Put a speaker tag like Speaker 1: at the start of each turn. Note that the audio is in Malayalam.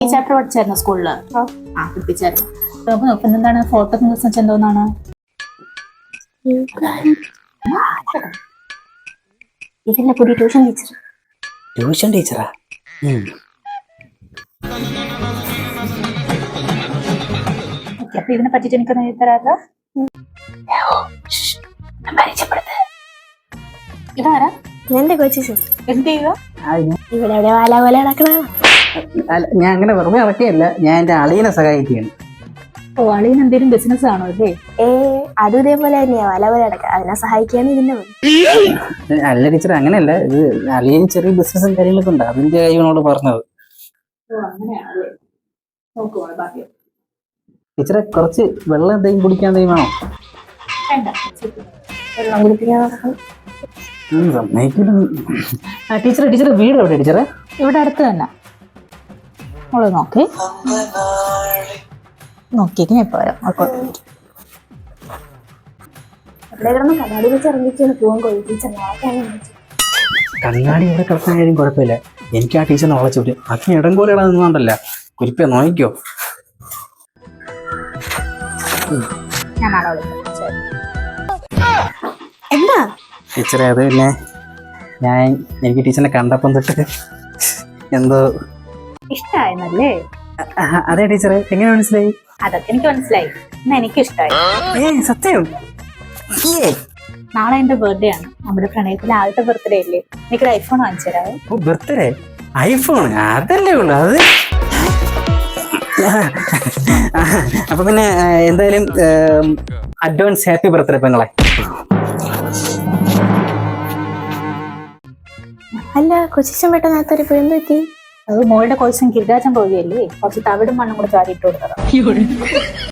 Speaker 1: ഈ ചാപ്റ്റർ പഠിച്ചായിരുന്നു സ്കൂളില്? പഠിപ്പിച്ചായിരുന്നു. അപ്പൊ നോക്കുന്ന എന്താണ് ഫോട്ടോ എന്തോന്നാണ്?
Speaker 2: ഇതിന്റെ പുതിയ ട്യൂഷൻ ടീച്ചർ.
Speaker 3: Tuition teacher?
Speaker 1: അപ്പൊ ഇതിനെ പറ്റിട്ട് എനിക്കൊന്ന് എഴുതി തരാമല്ലോ. ഇതാരാ?
Speaker 2: എന്റെ കൊച്ചു
Speaker 1: എന്ത് ചെയ്യുക?
Speaker 2: ഇവിടെ എവിടെ വാല പോലെ നടക്കണ.
Speaker 3: ഞാൻ അങ്ങനെ വെറുതെ നടക്കുകയല്ല, ഞാൻ എന്റെ അളിയനെ സഹായിക്കുകയാണ്.
Speaker 1: ഓ, അളിയൻ എന്തെങ്കിലും ബിസിനസ് ആണോ അല്ലേ?
Speaker 2: അതും ഇതേപോലെ തന്നെയാ, വല പോലെ നടക്കുക. അതിനെ സഹായിക്കാണ് ഇതിന്റെ പണി.
Speaker 3: അല്ല ടീച്ചർ, അങ്ങനെയല്ല, ഇത് അളിയന് ചെറിയ ബിസിനസ്സും കാര്യങ്ങളൊക്കെ ഉണ്ട്, അതിന്റെ കാര്യങ്ങളോട് പറഞ്ഞത്. ടീച്ചറെ കുറച്ച് വെള്ളം എന്തെങ്കിലും കുടിക്കാൻ എന്തെങ്കിലും വേണോ?
Speaker 2: വെള്ളം കുടിപ്പിക്കാൻ നടക്കണം.
Speaker 3: ടീച്ചറെ ടീച്ചറെ വീട് എവിടെ ടീച്ചറെ?
Speaker 1: ഇവിടെ അടുത്ത് തന്നെ. മോള് നോക്കിയേക്ക് ഞാൻ ഇപ്പൊ വരാം.
Speaker 2: അവിടെ കിടന്ന് കണ്ണാടി വെച്ച് ഇറങ്ങിക്കാണ് പോകാൻ കൊഴി ടീച്ചർ.
Speaker 3: കണ്ണാടി ഇവിടെ കിടക്കാൻ കാര്യം കുഴപ്പമില്ല, എനിക്ക് ആ ടീച്ചറിനെ വളച്ചു വിട്ട് അച്ഛൻ ഇടം പോലെ ഇടാന്നുണ്ടല്ല. കുരിപ്പ നോക്കിക്കോ.
Speaker 1: ഞാൻ നാളെ വിളിക്കാം.
Speaker 2: എന്താ
Speaker 3: ടീച്ചറെ, അത് പിന്നെ എനിക്ക് ടീച്ചറിനെ കണ്ടപ്പം തൊട്ട് എന്തോ
Speaker 1: ഇഷ്ടായെന്നല്ലേ?
Speaker 3: അതെ ടീച്ചറെ, എങ്ങനെ മനസ്സിലായി?
Speaker 1: അതൊക്കെ എനിക്ക് മനസ്സിലായി. എന്നാ എനിക്ക് ഇഷ്ടമായി.
Speaker 3: സത്യം?
Speaker 1: നാളെ എന്റെ ബർത്ത്ഡേ ആണ്. നമ്മുടെ പ്രണയത്തിലെ ആദ്യത്തെ ബർത്ത്ഡേ അല്ലേ? എനിക്കൊരു ഐഫോൺ വാങ്ങിച്ചു തരാമോ?
Speaker 3: Birthday iPhone? അതല്ലേ ഉള്ളു അത്. അപ്പൊ പിന്നെ എന്തായാലും അഡ്വാൻസ് ഹാപ്പി ബർത്ത്ഡേ പെങ്ങളെ.
Speaker 2: അല്ല, കൊച്ചിച്ചൻ പെട്ടെന്ന് നേരത്തെ എന്ത് പറ്റി?
Speaker 1: അത് മോളുടെ കോഴ്സും ഗിരിരാജൻ പോവുകയല്ലേ, കുറച്ച് തവിടും മണ്ണും കൂടെ ചാരിയിട്ട് കൊടുത്തതാണ്.